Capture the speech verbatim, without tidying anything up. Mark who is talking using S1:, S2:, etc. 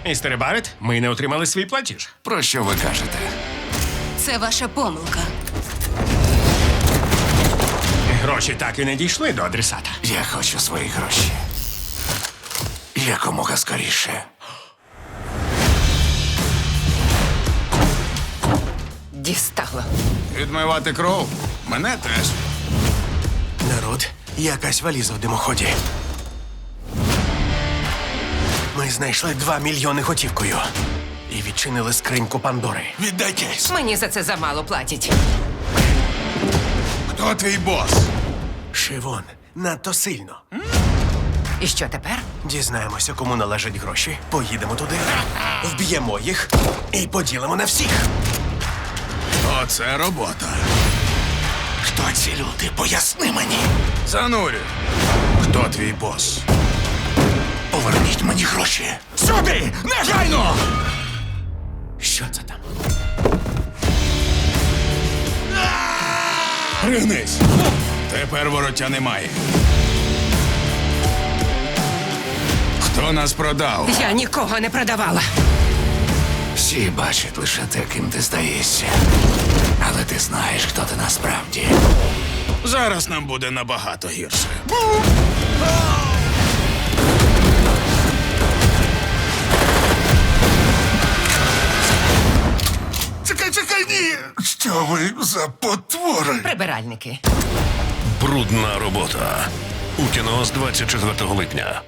S1: Містере Барет, ми не отримали свій платіж.
S2: Про що ви кажете?
S3: Це ваша помилка.
S1: Гроші так і не дійшли до адресата.
S2: Я хочу свої гроші. Якомога скоріше.
S4: Дістало.
S2: Відмивати кров? Мене теж.
S5: Народ, якась валіза в димоході. Ми знайшли два мільйони готівкою. І відчинили скриньку Пандори.
S2: Віддайтесь.
S4: Мені за це замало платять.
S2: Хто твій бос?
S5: Шивон, надто сильно.
S4: І що тепер?
S5: Дізнаємося, кому належать гроші. Поїдемо туди, вб'ємо їх і поділимо на всіх.
S2: Оце робота. Хто ці люди? Поясни мені. Занурю. Хто твій бос? Поверніть мені гроші. Сюди! Негайно!
S5: Що це там?
S2: Пригнись. Тепер вороття немає. Хто нас продав?
S4: Я нікого не продавала.
S2: Всі бачать лише те, ким ти здаєшся. Але ти знаєш, хто ти насправді. Зараз нам буде набагато гірше. Чекай, чекай, ні! Що ви за потвори?
S4: Прибиральники.
S6: Брудна робота. У кіно з двадцять четвертого липня.